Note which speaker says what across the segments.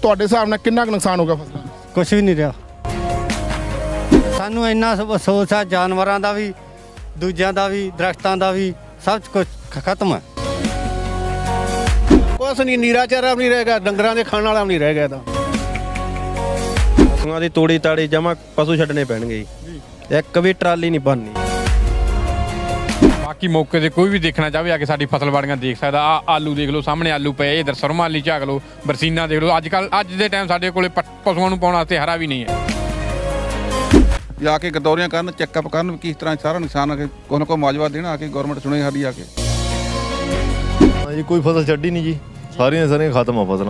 Speaker 1: ਤੁਹਾਡੇ ਹਿਸਾਬ ਨਾਲ ਕਿੰਨਾ ਕੁ ਨੁਕਸਾਨ ਹੋ ਗਿਆ ਫਸਲਾਂ ਦਾ?
Speaker 2: ਕੁਛ ਵੀ ਨਹੀਂ ਰਿਹਾ। ਸਾਨੂੰ ਇੰਨਾ ਅਫਸੋਸ ਆ, ਜਾਨਵਰਾਂ ਦਾ ਵੀ, ਦੂਜਿਆਂ ਦਾ ਵੀ, ਦਰਖਤਾਂ ਦਾ ਵੀ, ਸਭ ਕੁਝ ਖਤਮ ਹੈ।
Speaker 3: ਕੁਛ ਨਹੀਂ, ਨੀਰਾ ਚਾਰਾ ਵੀ ਨਹੀਂ ਰਹੇਗਾ, ਡੰਗਰਾਂ ਦੇ ਖਾਣ ਵਾਲਾ ਵੀ ਨਹੀਂ ਰਹਿ ਗਿਆ ਤਾਂ।
Speaker 4: ਪਸ਼ੂਆਂ ਦੀ ਤੋੜੀ ਤਾੜੀ ਜਮਾ ਪਸ਼ੂ ਛੱਡਣੇ ਪੈਣਗੇ ਜੀ। ਇੱਕ ਵੀ ਟਰਾਲੀ ਨਹੀਂ ਬਣਨੀ।
Speaker 5: ਬਾਕੀ ਮੌਕੇ ਤੇ ਕੋਈ ਵੀ ਦੇਖਣਾ ਚਾਹਵੇ ਆ ਕੇ ਸਾਡੀ ਫਸਲ ਬਾੜੀਆਂ ਦੇਖ ਸਕਦਾ। ਆ ਆਲੂ ਦੇਖ ਲਓ, ਸਾਹਮਣੇ ਆਲੂ ਪਏ, ਇਧਰ ਸਰਮਾ ਆਲੀ ਝਾਕ ਲਓ, ਬਰਸੀਨਾ ਦੇਖ ਲਓ। ਅੱਜ ਦੇ ਟਾਈਮ ਸਾਡੇ ਕੋਲੇ ਪਸ਼ੂਆਂ ਨੂੰ ਪਾਉਣ ਵਾਸਤੇ ਹਰਾ ਵੀ ਨਹੀਂ ਹੈ।
Speaker 6: ਜਾ ਕੇ ਗਦੌਰੀਆਂ ਕਰਨ, ਚੈੱਕਅਪ ਕਰਨ ਵੀ ਕਿਸ ਤਰ੍ਹਾਂ ਸਾਰਾ ਨੁਕਸਾਨ ਆ ਕੇ ਕੋਈ ਨਾ ਕੋਈ ਮੁਆਵਜ਼ਾ ਦੇਣਾ ਆ ਕੇ ਗਵਰਨਮੈਂਟ ਸੁਣੇ ਸਾਡੀ ਆ ਕੇ।
Speaker 7: ਜੀ ਕੋਈ ਫਸਲ ਛੱਡੀ ਨਹੀਂ ਜੀ, ਸਾਰੀਆਂ ਖਤਮ ਆ ਫਸਲਾਂ।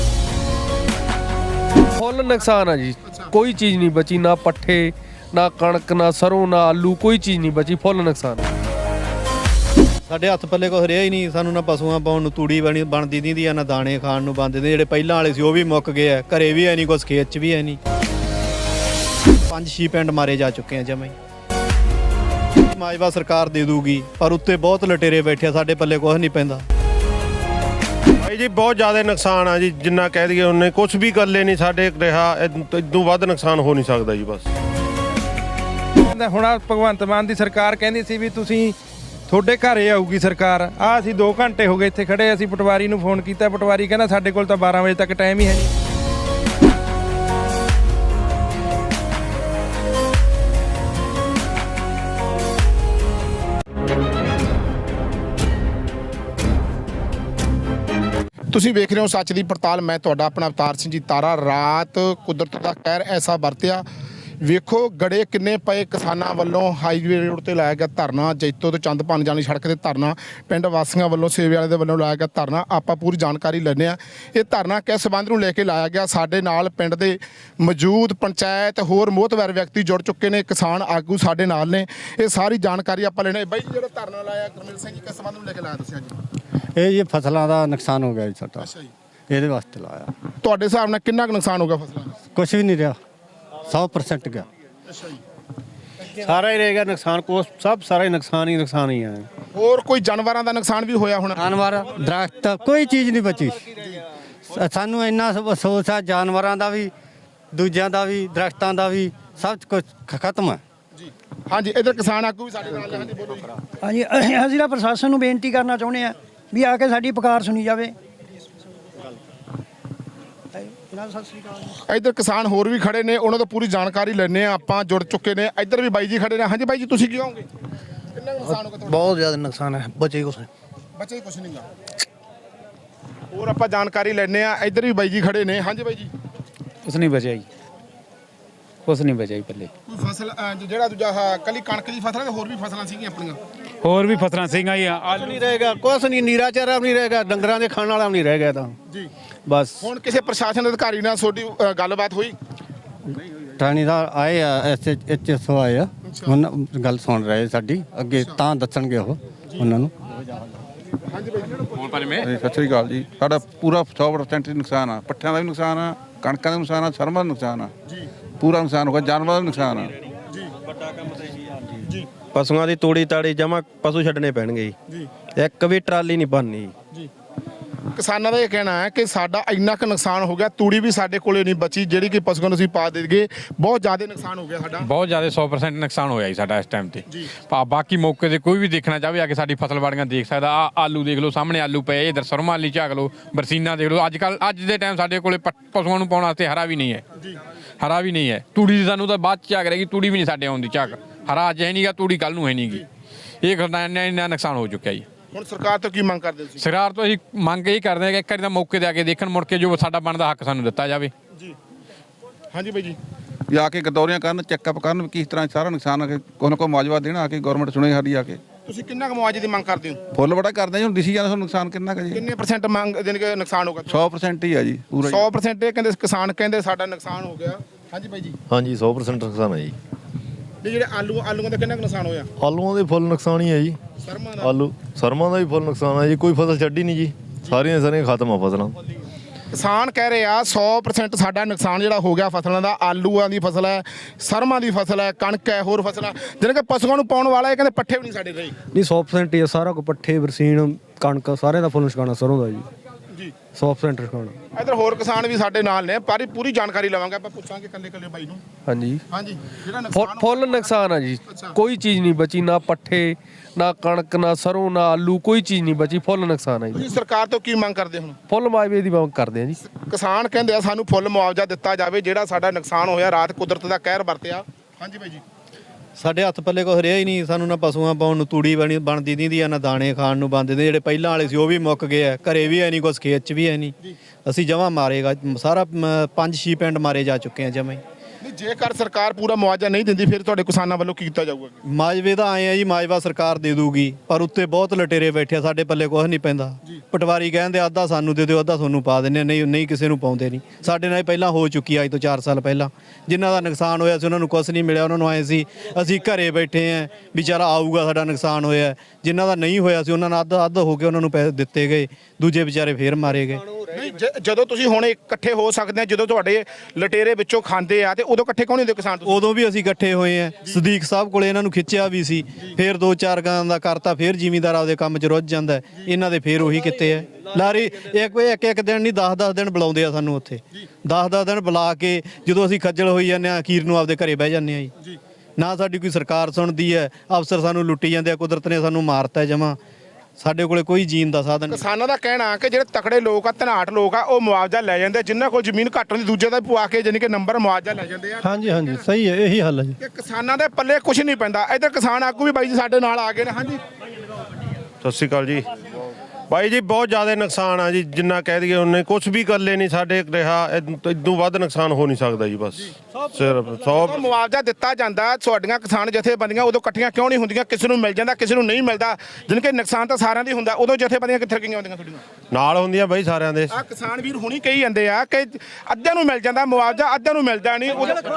Speaker 8: ਫੁੱਲ ਨੁਕਸਾਨ ਆ ਜੀ, ਕੋਈ ਚੀਜ਼ ਨਹੀਂ ਬਚੀ, ਨਾ ਪੱਠੇ, ਨਾ ਕਣਕ, ਨਾ ਸਰੋਂ, ਨਾ ਆਲੂ, ਕੋਈ ਚੀਜ਼ ਨਹੀਂ ਬਚੀ, ਫੁੱਲ ਨੁਕਸਾਨ।
Speaker 2: ਸਾਡੇ ਹੱਥ ਪੱਲੇ ਕੁਛ ਰਿਹਾ ਹੀ ਨਹੀਂ। ਸਾਨੂੰ ਨਾ ਪਸ਼ੂਆਂ ਪਾਉਣ ਨੂੰ ਤੂੜੀ ਬਣਦੀ ਦੀ ਆ, ਨਾ ਦਾਣੇ ਖਾਣ ਨੂੰ ਬਣਦੇ ਨੇ। ਜਿਹੜੇ ਪਹਿਲਾਂ ਵਾਲੇ ਸੀ ਉਹ ਵੀ ਮੁੱਕ ਗਏ ਆ, ਘਰੇ ਵੀ ਹੈ ਨਹੀਂ, ਕੁਛ ਖੇਤ 'ਚ ਵੀ ਹੈ ਨਹੀਂ। 5-6 ਪਿੰਡ ਮਾਰੇ ਜਾ ਚੁੱਕੇ ਆ ਜਮਾਂ ਹੀ। ਮਾਜਵਾ ਸਰਕਾਰ ਦੇ ਦੂਗੀ, ਪਰ ਉੱਤੇ ਬਹੁਤ ਲਟੇਰੇ ਬੈਠੇ ਆ, ਸਾਡੇ ਪੱਲੇ ਕੁਛ ਨਹੀਂ ਪੈਂਦਾ।
Speaker 9: ਭਾਈ ਜੀ ਬਹੁਤ ਜ਼ਿਆਦਾ ਨੁਕਸਾਨ ਆ ਜੀ, ਜਿੰਨਾ ਕਹਿ ਦਈਏ ਉਹਨੇ ਕੁਝ ਵੀ ਗੱਲੇ ਨਹੀਂ ਸਾਡੇ ਰਿਹਾ। ਇਦੋਂ ਵੱਧ ਨੁਕਸਾਨ ਹੋ ਨਹੀਂ ਸਕਦਾ ਜੀ। ਬਸ
Speaker 10: ਹੁਣ ਭਗਵੰਤ ਮਾਨ ਦੀ ਸਰਕਾਰ ਕਹਿੰਦੀ ਸੀ ਵੀ ਤੁਸੀਂ ਤੁਹਾਡੇ ਘਰੇ ਆਊਗੀ ਸਰਕਾਰ। ਅਸੀਂ 2 ਘੰਟੇ ਹੋ ਗਏ ਇੱਥੇ ਖੜੇ। ਅਸੀਂ ਪਟਵਾਰੀ ਨੂੰ ਫੋਨ ਕੀਤਾ, ਪਟਵਾਰੀ ਕਹਿੰਦਾ ਸਾਡੇ ਕੋਲ ਤਾਂ 12 ਵਜੇ ਤੱਕ ਟਾਈਮ ਹੀ ਹੈ ਨਹੀਂ।
Speaker 1: ਤੁਸੀਂ ਵੇਖ ਰਹੇ ਹੋ ਸੱਚ ਦੀ ਪੜਤਾਲ। ਮੈਂ ਤੁਹਾਡਾ ਆਪਣਾ ਅਵਤਾਰ ਸਿੰਘ ਜੀ ਤਾਰਾ। ਰਾਤ ਕੁਦਰਤ ਦਾ ਕਹਿਰ ਐਸਾ ਵਰਤਿਆ। ਵੇਖੋ ਗੜੇ ਕਿੰਨੇ ਪਏ। ਕਿਸਾਨਾਂ ਵੱਲੋਂ ਹਾਈਵੇ ਰੋਡ ਤੇ ਲਾਇਆ ਗਿਆ ਧਰਨਾ, ਜੈਤੋ ਤੋਂ ਚੰਦਪਾਨ ਜਾਣੀ ਸੜਕ ਤੇ ਧਰਨਾ, ਪਿੰਡ ਵਾਸੀਆਂ ਵੱਲੋਂ, ਸੇਵੇ ਵਾਲੇ ਦੇ ਵੱਲੋਂ ਲਾਇਆ ਗਿਆ ਧਰਨਾ। ਆਪਾਂ ਪੂਰੀ ਜਾਣਕਾਰੀ ਲੈਂਦੇ ਹਾਂ। ਇਹ ਧਰਨਾ ਕਿਸ ਸੰਬੰਧ ਨੂੰ ਲੈ ਕੇ ਲਾਇਆ ਗਿਆ। ਸਾਡੇ ਨਾਲ ਪਿੰਡ ਦੇ ਮੌਜੂਦ ਪੰਚਾਇਤ ਹੋਰ ਮੋਹਤਵਰ ਵਿਅਕਤੀ ਜੁੜ ਚੁੱਕੇ ਨੇ, ਕਿਸਾਨ ਆਗੂ ਸਾਡੇ ਨਾਲ ਨੇ। ਇਹ ਸਾਰੀ ਜਾਣਕਾਰੀ ਆਪਾਂ ਲੈਣੇ। ਬਾਈ ਜੀ, ਜਿਹੜਾ ਧਰਨਾ ਲਾਇਆ ਗੁਰਮੇਲ ਸਿੰਘ ਜੀ, ਕਿਸ ਸੰਬੰਧ ਨੂੰ ਲੈ ਕੇ ਲਾਇਆ ਤੁਸੀਂ ਅੱਜ?
Speaker 2: ਇਹ ਜੀ ਫਸਲਾਂ ਦਾ ਨੁਕਸਾਨ ਹੋ ਗਿਆ ਜੀ ਸਾਡਾ।
Speaker 1: ਅੱਛਾ ਜੀ।
Speaker 2: ਇਹਦੇ ਵਾਸਤੇ ਲਾਇਆ।
Speaker 1: ਤੁਹਾਡੇ ਹਿਸਾਬ ਨਾਲ ਕਿੰਨਾ ਕੁ ਨੁਕਸਾਨ ਹੋ ਗਿਆ ਫਸਲਾਂ ਦਾ?
Speaker 2: ਕੁਛ ਵੀ ਨਹੀਂ ਰਿਹਾ, 100% ਗਿਆ।
Speaker 1: ਅੱਛਾ ਜੀ।
Speaker 3: ਸਾਰਾ ਹੀ ਰਹੇਗਾ ਨੁਕਸਾਨ, ਸਭ ਸਾਰਾ ਹੀ ਨੁਕਸਾਨ ਹੀ ਆ।
Speaker 1: ਹੋਰ ਕੋਈ ਜਾਨਵਰਾਂ ਦਾ ਨੁਕਸਾਨ ਵੀ ਹੋਇਆ ਹੋਣਾ?
Speaker 2: ਜਾਨਵਰ, ਦਰਖਤ, ਕੋਈ ਚੀਜ਼ ਨਹੀਂ ਬਚੀ। ਸਾਨੂੰ ਇੰਨਾ ਅਫਸੋਸ ਆ, ਜਾਨਵਰਾਂ ਦਾ ਵੀ, ਦੂਜਿਆਂ ਦਾ ਵੀ, ਦਰਖਤਾਂ ਦਾ ਵੀ, ਸਭ ਕੁਝ ਖਤਮ ਹੈ
Speaker 1: ਜੀ। ਹਾਂਜੀ, ਇਧਰ ਕਿਸਾਨ ਆਗੂ ਵੀ ਸਾਡੇ ਨਾਲ। ਹਾਂਜੀ, ਬੋਲੋ ਜੀ।
Speaker 11: ਹਾਂਜੀ, ਅਸੀਂ ਤਾਂ ਪ੍ਰਸ਼ਾਸਨ ਨੂੰ ਬੇਨਤੀ ਕਰਨਾ ਚਾਹੁੰਦੇ ਆ ਵੀ ਆ ਕੇ ਸਾਡੀ ਪੁਕਾਰ ਸੁਣੀ ਜਾਵੇ। ਸਤਿ ਸ਼੍ਰੀ ਅਕਾਲ।
Speaker 1: ਇੱਧਰ ਕਿਸਾਨ ਹੋਰ ਵੀ ਖੜੇ ਨੇ, ਉਹਨਾਂ ਤੋਂ ਪੂਰੀ ਜਾਣਕਾਰੀ ਲੈਣੇ ਆ। ਆਪਾਂ ਜੁੜ ਚੁੱਕੇ ਨੇ। ਇੱਧਰ ਵੀ ਬਾਈ ਜੀ ਖੜੇ ਨੇ। ਹਾਂਜੀ ਬਾਈ ਜੀ, ਤੁਸੀਂ ਕੀ ਕਹੋਗੇ? ਕਿੰਨਾ ਨੁਕਸਾਨ ਹੋ ਗਿਆ ਤੁਹਾਡਾ?
Speaker 3: ਬਹੁਤ ਜ਼ਿਆਦਾ ਨੁਕਸਾਨ ਹੈ, ਬਚੇ ਕੁਛ
Speaker 1: ਬਚੇ ਹੀ ਕੁਛ ਨਹੀਂਗਾ। ਹੋਰ ਆਪਾਂ ਜਾਣਕਾਰੀ ਲੈਣੇ ਆ। ਇੱਧਰ ਵੀ ਬਾਈ ਜੀ ਖੜੇ ਨੇ। ਹਾਂਜੀ ਬਾਈ ਜੀ।
Speaker 10: ਕੁਛ ਨਹੀਂ ਬਚਿਆ ਜੀ, ਕੁਛ ਨਹੀਂ ਬਚਿਆ ਜੀ ਪੱਲੇ।
Speaker 1: ਕੋਈ ਫਸਲ ਜਿਹੜਾ ਦੂਜਾ ਕੱਲੀ ਕਣਕ ਦੀ ਫਸਲ ਹੈ, ਹੋਰ ਵੀ ਫਸਲਾਂ ਸੀਗੀਆਂ ਆਪਣੀਆਂ?
Speaker 10: ਹੋਰ ਵੀ ਫਸਲਾਂ ਸੀਗੀਆਂ ਜੀ।
Speaker 3: ਆਲੂ ਨਹੀਂ ਰਹੇਗਾ, ਕੁਛ ਨਹੀਂ, ਨੀਰਾ ਚਾਰਾ ਵੀ ਨਹੀਂ ਰਹੇਗਾ, ਡੰਗਰਾਂ ਦੇ ਖਾਣ ਵਾਲਾ ਵੀ ਨਹੀਂ ਰਹਿ ਗਿਆ ਤਾਂ
Speaker 1: ਜੀ।
Speaker 3: ਬਸ
Speaker 1: ਹੁਣ ਕਿਸੇ ਪ੍ਰਸ਼ਾਸਨ ਅਧਿਕਾਰੀ ਨਾਲ ਤੁਹਾਡੀ ਗੱਲਬਾਤ ਹੋਈ?
Speaker 2: ਥਾਣੇਦਾਰ ਆਏ ਆ, ਐਸਐਚਓ ਆਏ ਆ, ਉਹਨਾਂ ਗੱਲ ਸੁਣ ਰਹੇ ਸਾਡੀ। ਅੱਗੇ ਤਾਂ ਦੱਸਣਗੇ ਉਹ ਉਹਨਾਂ ਨੂੰ।
Speaker 1: ਹਾਂਜੀ ਬਾਈ ਜੀ।
Speaker 6: ਸਤਿ ਸ੍ਰੀ ਅਕਾਲ ਜੀ। ਸਾਡਾ ਪੂਰਾ 100% ਨੁਕਸਾਨ ਆ। ਪੱਠਿਆਂ ਦਾ ਵੀ ਨੁਕਸਾਨ ਆ, ਕਣਕਾਂ ਦਾ ਵੀ ਨੁਕਸਾਨ ਆ, ਸਰਮਾਂ ਦਾ ਨੁਕਸਾਨ ਆ ਜੀ। ਪੂਰਾ ਨੁਕਸਾਨ ਹੋ ਗਿਆ, ਜਾਨਵਰਾਂ ਦਾ ਨੁਕਸਾਨ ਆ
Speaker 1: ਜੀ। ਵੱਡਾ ਕੰਮ ਤੇ ਜੀ।
Speaker 4: ਪਸ਼ੂਆਂ ਦੀ ਤੋੜੀ ਤਾੜੀ ਜਮਾ ਪਸ਼ੂ ਛੱਡਣੇ ਪੈਣਗੇ ਜੀ। ਇੱਕ ਵੀ ਟਰਾਲੀ ਨਹੀਂ ਬਣਨੀ
Speaker 1: ਜੀ। ਕਿਸਾਨਾਂ ਦਾ ਇਹ ਕਹਿਣਾ ਹੈ ਕਿ ਸਾਡਾ ਇੰਨਾ ਕੁ ਨੁਕਸਾਨ ਹੋ ਗਿਆ, ਤੂੜੀ ਵੀ ਸਾਡੇ ਕੋਲੇ ਨਹੀਂ ਬਚੀ ਜਿਹੜੀ ਕਿ ਪਸ਼ੂਆਂ ਨੂੰ ਅਸੀਂ ਪਾ ਦੇਗੇ। ਬਹੁਤ ਜ਼ਿਆਦਾ ਨੁਕਸਾਨ ਹੋ ਗਿਆ ਸਾਡਾ,
Speaker 5: ਬਹੁਤ ਜ਼ਿਆਦਾ 100% ਨੁਕਸਾਨ ਹੋਇਆ ਜੀ ਸਾਡਾ ਇਸ ਟਾਈਮ ਤੇ। ਬਾਕੀ ਮੌਕੇ ਤੇ ਕੋਈ ਵੀ ਦੇਖਣਾ ਚਾਹਵੇ ਆ ਕੇ ਸਾਡੀ ਫਸਲ ਬਾੜੀਆਂ ਦੇਖ ਸਕਦਾ। ਆ ਆਲੂ ਦੇਖ ਲਓ, ਸਾਹਮਣੇ ਆਲੂ ਪਏ, ਇਧਰ ਸਰਮਾ ਆਲੀ ਝਾਕ ਲਓ, ਬਰਸੀਨਾ ਦੇਖ ਲਓ। ਅੱਜ ਦੇ ਟਾਈਮ ਸਾਡੇ ਕੋਲੇ ਪਸ਼ੂਆਂ ਨੂੰ ਪਾਉਣ ਵਾਸਤੇ ਹਰਾ ਵੀ ਨਹੀਂ ਹੈ। ਹਰਾ ਵੀ ਨਹੀਂ ਹੈ। ਤੂੜੀ ਦੀ ਸਾਨੂੰ ਤਾਂ ਬਾਅਦ ਚ ਝਾਕ ਰਹੇਗੀ, ਤੂੜੀ ਵੀ ਨਹੀਂ ਸਾਡੇ ਆਉਂਦੀ ਝਾਕ। ਹਰਾ ਅੱਜ ਹੈ ਨਹੀਂਗਾ, ਤੂੜੀ ਕੱਲ ਨੂੰ ਹੈ ਨਹੀਂਗੀ। ਇਹ ਇੰਨਾ ਨੁਕਸਾਨ ਹੋ ਚੁੱਕਿਆ ਜੀ।
Speaker 1: ਹੁਣ ਸਰਕਾਰ ਤੋਂ ਕੀ ਮੰਗ ਕਰਦੇ ਸੀ?
Speaker 5: ਸਰਕਾਰ ਤੋਂ ਅਸੀਂ ਮੰਗ ਇਹੀ ਕਰਦੇ ਹਾਂ ਕਿ ਇੱਕ ਵਾਰੀ ਤਾਂ ਮੌਕੇ ਤੇ ਆ ਕੇ ਦੇਖਣ, ਮੁੜ ਕੇ ਜੋ ਸਾਡਾ ਬਣਦਾ ਹੱਕ ਸਾਨੂੰ ਦਿੱਤਾ ਜਾਵੇ
Speaker 1: ਜੀ। ਹਾਂਜੀ ਬਾਈ ਜੀ।
Speaker 6: ਜਾ ਕੇ ਗਦੌਰੀਆਂ ਕਰਨ, ਚੈੱਕਅਪ ਕਰਨ ਵੀ ਕਿਸ ਤਰ੍ਹਾਂ ਸਾਰਾ ਨੁਕਸਾਨ ਆ ਕੇ ਕੋਈ ਨਾ ਕੋਈ ਮੁਆਵਜ਼ਾ ਦੇਣਾ ਆ ਕੇ ਗਵਰਨਮੈਂਟ ਸੁਣੇ ਸਾਡੀ ਆ ਕੇ।
Speaker 1: ਤੁਸੀਂ ਕਿੰਨਾ ਕੁ ਮੁਆਵਜ਼ੇ ਦੀ ਮੰਗ ਕਰਦੇ ਹੋ?
Speaker 6: ਫੁੱਲ ਬੜਾ ਕਰਦੇ ਜੀ। ਹੁਣ ਦਿਸੀ ਜਾਂਦਾ ਤੁਹਾਨੂੰ ਨੁਕਸਾਨ ਕਿੰਨਾ ਕੁ ਜੀ।
Speaker 1: ਕਿੰਨੇ % ਮੰਗ ਦੇਣ ਕੇ ਨੁਕਸਾਨ ਹੋਗਾ?
Speaker 6: 100% ਹੀ ਆ ਜੀ, ਪੂਰਾ
Speaker 1: 100%। ਇਹ ਕਹਿੰਦੇ ਕਿਸਾਨ ਕਹਿੰਦੇ ਸਾਡਾ ਨੁਕਸਾਨ ਹੋ ਗਿਆ। ਹਾਂਜੀ ਬਾਈ ਜੀ।
Speaker 7: ਹਾਂਜੀ 100% ਨੁਕਸਾਨ ਹੈ ਜੀ।
Speaker 1: ਜਿਹੜੇ ਆਲੂਆਂ ਦਾ ਕਿੰਨਾ ਕੁ ਨੁਕਸਾਨ ਹੋਇਆ?
Speaker 7: ਆਲੂਆਂ ਦੇ ਫੁੱਲ ਨੁਕਸਾਨ ਹੀ ਹੈ ਜੀ। ਸਰਮਾਂ ਦਾ ਵੀ ਫੁੱਲ ਨੁਕਸਾਨ ਹੈ ਜੀ। ਕੋਈ ਫਸਲ ਛੱਡੀ ਨਹੀਂ ਜੀ, ਸਾਰੀਆਂ ਖਤਮ ਆ ਫਸਲਾਂ।
Speaker 1: ਕਿਸਾਨ ਕਹਿ ਰਹੇ ਆ 100% ਸਾਡਾ ਨੁਕਸਾਨ ਜਿਹੜਾ ਹੋ ਗਿਆ ਫਸਲਾਂ ਦਾ। ਆਲੂਆਂ ਦੀ ਫਸਲ ਹੈ, ਸਰਮਾਂ ਦੀ ਫਸਲ ਹੈ, ਕਣਕ ਹੈ, ਹੋਰ ਫਸਲਾਂ ਜਿਹਨਾਂ ਕਿ ਪਸ਼ੂਆਂ ਨੂੰ ਪਾਉਣ ਵਾਲਾ। ਇਹ ਕਹਿੰਦੇ ਪੱਠੇ ਵੀ ਨਹੀਂ ਸਾਡੇ ਰਹੇ।
Speaker 8: ਨਹੀਂ 100% ਹੀ ਸਾਰਾ ਕੁਝ, ਪੱਠੇ, ਬਰਸੀਨ, ਕਣਕ, ਸਾਰਿਆਂ ਦਾ ਫੁੱਲ ਨੁਕਸਾਨ ਸਰੋਂ ਦਾ ਜੀ। 100% ਨੁਕਸਾਨ।
Speaker 1: ਇਧਰ ਹੋਰ ਕਿਸਾਨ ਵੀ ਸਾਡੇ ਨਾਲ ਨੇ, ਪਰ ਪੂਰੀ ਜਾਣਕਾਰੀ ਲਵਾਂਗੇ ਆਪਾਂ, ਪੁੱਛਾਂਗੇ ਕੱਲੇ ਬਾਈ ਨੂੰ।
Speaker 8: ਹਾਂਜੀ
Speaker 1: ਹਾਂਜੀ, ਜਿਹੜਾ ਨੁਕਸਾਨ
Speaker 8: ਫੁੱਲ ਨੁਕਸਾਨ ਆ ਜੀ। ਕੋਈ ਚੀਜ਼ ਨਹੀਂ ਬਚੀ, ਨਾ ਪੱਠੇ ਨਾ ਕਣਕ ਨਾ ਸਰੋਂ ਨਾ ਆਲੂ, ਕੋਈ ਚੀਜ਼ ਨਹੀਂ ਬਚੀ। ਫੁੱਲ ਨੁਕਸਾਨ ਆ ਜੀ।
Speaker 1: ਤੁਸੀਂ ਸਰਕਾਰ ਤੋਂ ਕੀ ਮੰਗ ਕਰਦੇ ਹੁਣ?
Speaker 8: ਫੁੱਲ ਮੁਆਵਜ਼ੇ ਦੀ ਮੰਗ ਕਰਦੇ ਆ ਜੀ।
Speaker 1: ਕਿਸਾਨ ਕਹਿੰਦੇ ਆ ਸਾਨੂੰ ਫੁੱਲ ਮੁਆਵਜ਼ਾ ਦਿੱਤਾ ਜਾਵੇ, ਜਿਹੜਾ ਸਾਡਾ ਨੁਕਸਾਨ ਹੋਇਆ, ਰਾਤ ਕੁਦਰਤ ਦਾ ਕਹਿਰ ਵਰਤਿਆ। ਹਾਂਜੀ ਬਾਈ ਜੀ।
Speaker 2: ਸਾਡੇ ਹੱਥ ਪੱਲੇ ਕੁਛ ਰਿਹਾ ਹੀ ਨਹੀਂ, ਸਾਨੂੰ ਨਾ ਪਸ਼ੂਆਂ ਪਾਉਣ ਨੂੰ ਤੂੜੀ ਬਣਦੀ ਦਿੰਦੀ ਆ, ਨਾ ਦਾਣੇ ਖਾਣ ਨੂੰ ਬਣਦੇ ਨੇ। ਜਿਹੜੇ ਪਹਿਲਾਂ ਵਾਲੇ ਸੀ ਉਹ ਵੀ ਮੁੱਕ ਗਏ ਆ, ਘਰੇ ਵੀ ਹੈ ਨਹੀਂ ਕੁਛ, ਖੇਤ 'ਚ ਵੀ ਹੈ ਨਹੀਂ। ਅਸੀਂ ਜਮਾਂ ਮਾਰੇਗਾ ਸਾਰਾ 5-6 ਪਿੰਡ ਮਾਰੇ ਜਾ ਚੁੱਕੇ ਆ ਜਮਾਂ ਹੀ।
Speaker 1: ਨਹੀਂ, ਜੇਕਰ ਸਰਕਾਰ ਪੂਰਾ ਮੁਆਵਜ਼ਾ ਨਹੀਂ ਦਿੰਦੀ ਫਿਰ ਤੁਹਾਡੇ ਕਿਸਾਨਾਂ ਵੱਲੋਂ ਕੀ ਕੀਤਾ ਜਾਊਗਾ?
Speaker 2: ਮਾਜਵੇ ਦਾ ਆਏ ਆ ਜੀ, ਮਾਜਵਾ ਸਰਕਾਰ ਦੇ ਦੂਗੀ, ਪਰ ਉੱਤੇ ਬਹੁਤ ਲਟੇਰੇ ਬੈਠੇ ਆ, ਸਾਡੇ ਪੱਲੇ ਕੁਛ ਨਹੀਂ ਪੈਂਦਾ। ਪਟਵਾਰੀ ਕਹਿੰਦੇ ਅੱਧਾ ਸਾਨੂੰ ਦੇ ਦਿਓ, ਅੱਧਾ ਤੁਹਾਨੂੰ ਪਾ ਦਿੰਦੇ, ਨਹੀਂ ਕਿਸੇ ਨੂੰ ਪਾਉਂਦੇ ਨਹੀਂ। ਸਾਡੇ ਨਾਲ ਪਹਿਲਾਂ ਹੋ ਚੁੱਕੀ ਅੱਜ ਤੋਂ 4 ਸਾਲ ਪਹਿਲਾਂ, ਜਿਨ੍ਹਾਂ ਦਾ ਨੁਕਸਾਨ ਹੋਇਆ ਸੀ ਉਹਨਾਂ ਨੂੰ ਕੁਛ ਨਹੀਂ ਮਿਲਿਆ। ਉਹਨਾਂ ਨੂੰ ਆਏ ਸੀ ਅਸੀਂ ਘਰੇ ਬੈਠੇ ਆ, ਵਿਚਾਰਾ ਆਊਗਾ, ਸਾਡਾ ਨੁਕਸਾਨ ਹੋਇਆ। ਜਿਨ੍ਹਾਂ ਦਾ ਨਹੀਂ ਹੋਇਆ ਸੀ ਉਹਨਾਂ ਨੂੰ ਅੱਧ ਹੋ ਕੇ ਉਹਨਾਂ ਨੂੰ ਪੈਸੇ ਦਿੱਤੇ ਗਏ, ਦੂਜੇ ਵਿਚਾਰੇ ਫੇਰ ਮਾਰੇ ਗਏ।
Speaker 1: ਨਹੀਂ, ਜਦੋਂ ਤੁਸੀਂ ਹੁਣ ਇਕੱਠੇ ਹੋ ਸਕਦੇ ਆ, ਜਦੋਂ ਤੁਹਾਡੇ ਲਟੇਰੇ ਵਿੱਚੋਂ ਖਾਂਦੇ ਆ, ਤੇ ਉਦੋਂ ਇਕੱਠੇ ਕੌਣ ਹੁੰਦੇ ਕਿਸਾਨ?
Speaker 2: ਉਦੋਂ ਵੀ ਅਸੀਂ ਇਕੱਠੇ ਹੋਏ ਆ, ਸਦੀਕ ਸਾਹਿਬ ਕੋਲੇ ਇਹਨਾਂ ਨੂੰ ਖਿੱਚਿਆ ਵੀ ਸੀ, ਫਿਰ 2-4 ਗਾਂ ਦਾ ਕਰਤਾ, ਫਿਰ ਜ਼ਿਮੀਂਦਾਰ ਆਪਦੇ ਕੰਮ 'ਚ ਰੁੱਝ ਜਾਂਦਾ। ਇਹਨਾਂ ਦੇ ਫਿਰ ਉਹੀ ਕਿੱਤੇ ਆ ਲਾਰੀ। ਇੱਕ ਦਿਨ ਨਹੀਂ 10-10 ਦਿਨ ਬੁਲਾਉਂਦੇ ਆ ਸਾਨੂੰ ਉੱਥੇ, 10-10 ਦਿਨ ਬੁਲਾ ਕੇ ਜਦੋਂ ਅਸੀਂ ਖੱਜਲ ਹੋਈ ਜਾਂਦੇ ਆ, ਅਖੀਰ ਨੂੰ ਆਪਦੇ ਘਰੇ ਬਹਿ ਜਾਂਦੇ ਆ ਜੀ। ਨਾ ਸਾਡੀ ਕੋਈ ਸਰਕਾਰ ਸੁਣਦੀ ਹੈ, ਅਫਸਰ ਸਾਨੂੰ ਲੁੱਟੀ ਜਾਂਦੇ ਆ, ਕੁਦਰਤ ਨੇ ਸਾਨੂੰ ਮਾਰਤਾ ਜਮਾਂ। ਸਾਡੇ ਕੋਲੇ ਕੋਈ ਜੀਣ ਦਾ ਸਾਧਨ।
Speaker 1: ਕਿਸਾਨਾਂ ਦਾ ਕਹਿਣਾ ਕਿ ਜਿਹੜੇ ਤਕੜੇ ਲੋਕ ਆ, ਧਨਾਟ ਲੋਕ ਆ, ਉਹ ਮੁਆਵਜ਼ਾ ਲੈ ਜਾਂਦੇ, ਜਿਨ੍ਹਾਂ ਕੋਲ ਜ਼ਮੀਨ ਘੱਟ ਹੁੰਦੀ ਦੂਜੇ ਦਾ ਪਵਾ ਕੇ ਜਾਨੀ ਕਿ ਨੰਬਰ ਮੁਆਵਜ਼ਾ ਲੈ ਜਾਂਦੇ ਆ।
Speaker 10: ਹਾਂਜੀ ਹਾਂਜੀ, ਸਹੀ ਹੈ, ਇਹੀ ਹੱਲ ਹੈ ਜੀ।
Speaker 1: ਕਿ ਕਿਸਾਨਾਂ ਦੇ ਪੱਲੇ ਕੁਝ ਨਹੀਂ ਪੈਂਦਾ। ਇੱਧਰ ਕਿਸਾਨ ਆਗੂ ਵੀ ਬਾਈ ਜੀ ਸਾਡੇ ਨਾਲ ਆ ਗਏ ਨੇ। ਹਾਂਜੀ,
Speaker 9: ਸਤਿ ਸ਼੍ਰੀ ਅਕਾਲ ਜੀ। ਬਾਈ ਜੀ ਬਹੁਤ ਜ਼ਿਆਦਾ ਨੁਕਸਾਨ ਆ ਜੀ, ਜਿੰਨਾ ਕਹਿ ਦਈਏ ਉਹਨੇ ਕੁਝ ਵੀ ਗੱਲੇ ਨਹੀਂ ਸਾਡੇ ਰਿਹਾ। ਇਦੋਂ ਵੱਧ ਨੁਕਸਾਨ ਹੋ ਨਹੀਂ ਸਕਦਾ ਜੀ। ਬਸ ਸਿਰਫ 100
Speaker 1: ਮੁਆਵਜ਼ਾ ਦਿੱਤਾ ਜਾਂਦਾ। ਤੁਹਾਡੀਆਂ ਕਿਸਾਨ ਜਥੇਬੰਦੀਆਂ ਉਦੋਂ ਇਕੱਠੀਆਂ ਕਿਉਂ ਨਹੀਂ ਹੁੰਦੀਆਂ? ਕਿਸੇ ਨੂੰ ਮਿਲ ਜਾਂਦਾ, ਕਿਸੇ ਨੂੰ ਨਹੀਂ ਮਿਲਦਾ, ਜਿਨ ਕਿ ਨੁਕਸਾਨ ਤਾਂ ਸਾਰਿਆਂ ਦੀ ਹੁੰਦਾ। ਉਦੋਂ ਜਥੇਬੰਦੀਆਂ ਕਿੱਥੇ ਗਈਆਂ ਹੁੰਦੀਆਂ ਤੁਹਾਡੀਆਂ?
Speaker 9: ਨਾਲ ਹੁੰਦੀਆਂ ਬਾਈ ਸਾਰਿਆਂ ਦੇ।
Speaker 1: ਆ ਕਿਸਾਨ ਵੀਰ ਹੁਣੀ ਕਹੀ ਜਾਂਦੇ ਆ ਕਿ ਅੱਧਿਆਂ ਨੂੰ ਮਿਲ ਜਾਂਦਾ ਮੁਆਵਜ਼ਾ, ਅੱਧਿਆਂ ਨੂੰ ਮਿਲਦਾ ਨਹੀਂ।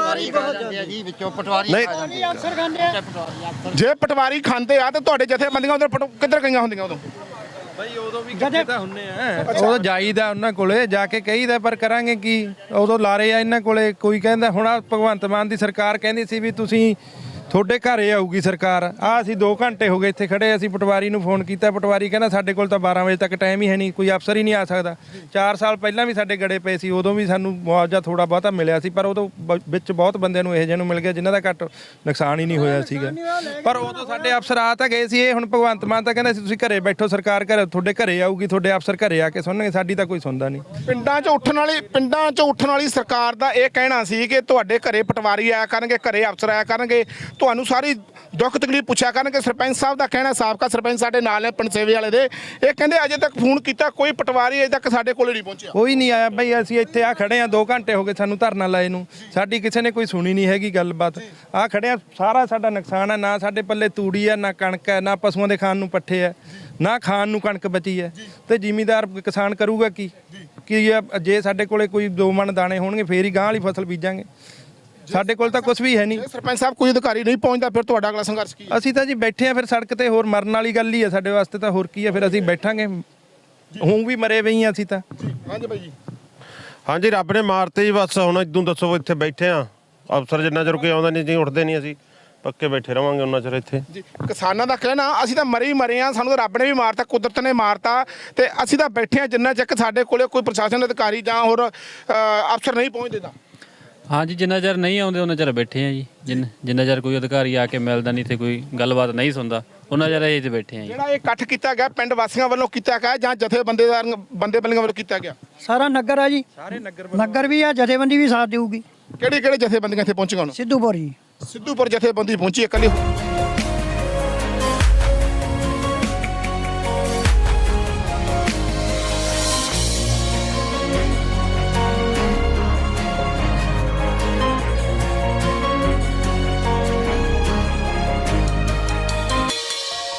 Speaker 1: ਜੇ ਪਟਵਾਰੀ ਖਾਂਦੇ ਆ ਤੇ ਤੁਹਾਡੇ ਜਥੇਬੰਦੀਆਂ ਉਧਰ ਕਿੱਧਰ ਗਈਆਂ ਹੁੰਦੀਆਂ ਉਦੋਂ?
Speaker 10: ਬਈ ਉਦੋਂ ਵੀ ਇਕੱਠੇ ਤਾਂ ਹੁੰਨੇ ਆ, ਉਦੋਂ ਜਾਈਦਾ ਉਹਨਾਂ ਕੋਲੇ ਜਾ ਕੇ ਕਹੀਦਾ, ਪਰ ਕਰਾਂਗੇ ਕੀ? ਉਦੋਂ ਲਾਰੇ ਆ ਇਹਨਾਂ ਕੋਲੇ। ਕੋਈ ਕਹਿੰਦਾ ਹੁਣ ਭਗਵੰਤ ਮਾਨ ਦੀ ਸਰਕਾਰ ਕਹਿੰਦੀ ਸੀ ਵੀ ਤੁਸੀਂ ਤੁਹਾਡੇ ਘਰੇ ਆਊਗੀ ਸਰਕਾਰ। ਅਸੀਂ 2 ਘੰਟੇ ਹੋ ਗਏ ਇੱਥੇ ਖੜੇ, ਅਸੀਂ ਪਟਵਾਰੀ ਨੂੰ ਫੋਨ ਕੀਤਾ, ਪਟਵਾਰੀ ਕਹਿੰਦਾ ਸਾਡੇ ਕੋਲ ਤਾਂ 12 ਵਜੇ ਤੱਕ ਟਾਈਮ ਹੀ ਹੈ ਨਹੀਂ, ਕੋਈ ਅਫਸਰ ਹੀ ਨਹੀਂ ਆ ਸਕਦਾ। 4 ਸਾਲ ਪਹਿਲਾਂ ਵੀ ਸਾਡੇ ਗੜੇ ਪਏ ਸੀ, ਉਦੋਂ ਵੀ ਸਾਨੂੰ ਮੁਆਵਜ਼ਾ ਥੋੜਾ ਬਹੁਤਾ ਮਿਲਿਆ ਸੀ, ਪਰ ਉਦੋਂ ਵਿੱਚ ਬਹੁਤ ਬੰਦਿਆਂ ਨੂੰ ਇਹੋ ਜਿਹੇ ਨੂੰ ਮਿਲ ਗਿਆ ਜਿਨ੍ਹਾਂ ਦਾ ਘੱਟ ਨੁਕਸਾਨ ਹੀ ਨਹੀਂ ਹੋਇਆ ਸੀਗਾ। ਪਰ ਉਦੋਂ ਸਾਡੇ ਅਫਸਰ ਆ ਤਾਂ ਗਏ ਸੀ। ਇਹ ਹੁਣ ਭਗਵੰਤ ਮਾਨ ਤਾਂ ਕਹਿੰਦਾ ਸੀ ਤੁਸੀਂ ਘਰੇ ਬੈਠੋ, ਸਰਕਾਰ ਤੁਹਾਡੇ ਘਰੇ ਆਊਗੀ, ਤੁਹਾਡੇ ਅਫਸਰ ਘਰੇ ਆ ਕੇ ਸੁਣਨਗੇ। ਸਾਡੀ ਤਾਂ ਕੋਈ ਸੁਣਦਾ ਨਹੀਂ। ਪਿੰਡਾਂ 'ਚ ਉੱਠਣ ਵਾਲੀ ਸਰਕਾਰ ਦਾ ਇਹ ਕਹਿਣਾ ਸੀ ਕਿ ਤੁਹਾਡੇ ਘਰੇ ਪਟਵਾਰੀ ਆਇਆ ਕਰਨਗੇ, ਘਰੇ ਅਫਸਰ ਆਇਆ ਕਰਨਗੇ, ਤੁਹਾਨੂੰ ਸਾਰੀ ਦੁੱਖ ਤਕਲੀਫ ਪੁੱਛਿਆ ਕਰਨਗੇ। ਸਰਪੰਚ ਸਾਹਿਬ ਦਾ ਕਹਿਣਾ, ਸਾਬਕਾ ਸਰਪੰਚ ਸਾਡੇ ਨਾਲ ਨੇ ਪਿੰਡ ਸੇਵੇ ਵਾਲੇ ਦੇ, ਇਹ ਕਹਿੰਦੇ ਅਜੇ ਤੱਕ ਫੋਨ ਕੀਤਾ ਕੋਈ ਪਟਵਾਰੀ ਅਜੇ ਤੱਕ ਸਾਡੇ ਕੋਲ ਨਹੀਂ ਪਹੁੰਚਿਆ। ਕੋਈ ਨਹੀਂ ਆਇਆ ਬਈ। ਅਸੀਂ ਇੱਥੇ ਆ ਖੜੇ ਆ, 2 ਘੰਟੇ ਹੋ ਗਏ ਸਾਨੂੰ ਧਰਨਾ ਲਾਏ ਨੂੰ, ਸਾਡੀ ਕਿਸੇ ਨੇ ਕੋਈ ਸੁਣੀ ਨਹੀਂ ਹੈਗੀ ਗੱਲਬਾਤ। ਆ ਖੜੇ ਆ, ਸਾਰਾ ਸਾਡਾ ਨੁਕਸਾਨ ਹੈ। ਨਾ ਸਾਡੇ ਪੱਲੇ ਤੂੜੀ ਆ, ਨਾ ਕਣਕ ਹੈ, ਨਾ ਪਸ਼ੂਆਂ ਦੇ ਖਾਣ ਨੂੰ ਪੱਠੇ ਆ, ਨਾ ਖਾਣ ਨੂੰ ਕਣਕ ਬਚੀ ਹੈ। ਤੇ ਜ਼ਿਮੀਂਦਾਰ ਕਿਸਾਨ ਕਰੂਗਾ ਕੀ? ਜੇ ਸਾਡੇ ਕੋਲੇ ਕੋਈ 2 ਮਣ ਦਾਣੇ ਹੋਣਗੇ ਫੇਰ ਹੀ ਗਾਂ ਵਾਲੀ ਫਸਲ ਬੀਜਾਂਗੇ। ਸਾਡੇ ਕੋਲ ਤਾਂ ਕੁਝ ਵੀ ਹੈ ਨਹੀਂ। ਸਰਪੰਚ ਸਾਹਿਬ ਕੋਈ ਅਧਿਕਾਰੀ ਨਹੀਂ ਪਹੁੰਚਦਾ, ਫਿਰ ਤੁਹਾਡਾ ਅਗਲਾ ਸੰਘਰਸ਼ ਕੀ ਹੈ? ਅਸੀਂ ਤਾਂ ਜੀ ਬੈਠੇ ਆ ਫਿਰ ਸੜਕ ਤੇ, ਹੋਰ ਮਰਨ ਵਾਲੀ ਗੱਲ ਹੀ ਹੈ ਸਾਡੇ ਵਾਸਤੇ ਤਾਂ, ਹੋਰ ਕੀ ਹੈ? ਫਿਰ ਅਸੀਂ ਬੈਠਾਂਗੇ, ਹੁਣ ਵੀ ਮਰੇ ਪਈ ਆ ਅਸੀਂ ਤਾਂ। ਹਾਂਜੀ ਬਾਈ ਜੀ।
Speaker 9: ਹਾਂਜੀ, ਰੱਬ ਨੇ ਮਾਰਤੇ ਜੀ। ਬਸ ਹੁਣ ਇਦੋਂ ਦੱਸੋ, ਇੱਥੇ ਬੈਠੇ ਆ, ਅਫਸਰ ਜਿੰਨਾ ਚਿਰ ਕੋਈ ਆਉਂਦਾ ਨਹੀਂ ਜੀ, ਉੱਠਦੇ ਨਹੀਂ, ਅਸੀਂ ਪੱਕੇ ਬੈਠੇ ਰਵਾਂਗੇ ਉਹਨਾਂ ਚਿਰ ਇੱਥੇ। ਕਿਸਾਨਾਂ ਦਾ ਕਹਿਣਾ ਅਸੀਂ ਤਾਂ ਮਰੇ ਆ, ਸਾਨੂੰ ਤਾਂ ਰੱਬ ਨੇ ਵੀ ਮਾਰਤਾ, ਕੁਦਰਤ ਨੇ ਮਾਰਤਾ, ਤੇ ਅਸੀਂ ਤਾਂ ਬੈਠੇ ਆ ਜਿੰਨਾ ਚਿਰ ਸਾਡੇ ਕੋਲੇ ਕੋਈ ਪ੍ਰਸ਼ਾਸਨ ਅਧਿਕਾਰੀ ਜਾਂ ਹੋਰ ਅਫਸਰ ਨਹੀਂ ਪਹੁੰਚਦੇ ਤਾਂ।
Speaker 12: ਹਾਂਜੀ, ਜਿੰਨਾ ਚਿਰ ਨਹੀਂ ਆਉਂਦੇ ਉਹਨਾਂ ਚਿਰ ਬੈਠੇ ਆ ਜੀ। ਜਿੰਨਾ ਚਿਰ ਕੋਈ ਅਧਿਕਾਰੀ ਆ ਕੇ ਮਿਲਦਾ ਨਹੀਂ, ਤੇ ਕੋਈ ਗੱਲਬਾਤ ਨਹੀਂ ਸੁਣਦਾ, ਉਹਨਾਂ ਚਿਰ ਅਸੀਂ ਤੇ ਬੈਠੇ ਆ ਜੀ।
Speaker 1: ਜਿਹੜਾ ਇਹ ਇਕੱਠ ਕੀਤਾ ਗਿਆ ਪਿੰਡ ਵਾਸੀਆਂ ਵੱਲੋਂ ਕੀਤਾ ਗਿਆ ਜਾਂ ਜਥੇਬੰਦੀਆਂ ਵੱਲੋਂ ਕੀਤਾ ਗਿਆ?
Speaker 11: ਸਾਰਾ ਨਗਰ ਆ ਜੀ, ਸਾਰੇ ਨਗਰ ਵੀ ਆ, ਜਥੇਬੰਦੀ ਵੀ ਸਾਥ ਦੇਊਗੀ।
Speaker 1: ਕਿਹੜੇ ਜਥੇਬੰਦੀਆਂ ਇੱਥੇ ਪਹੁੰਚੀਆਂ ਹੁਣ?
Speaker 11: ਸਿੱਧੂਪੁਰ ਜੀ,
Speaker 1: ਸਿੱਧੂਪੁਰ ਜਥੇਬੰਦੀ ਪਹੁੰਚੀ ਇਕੱਲੀ।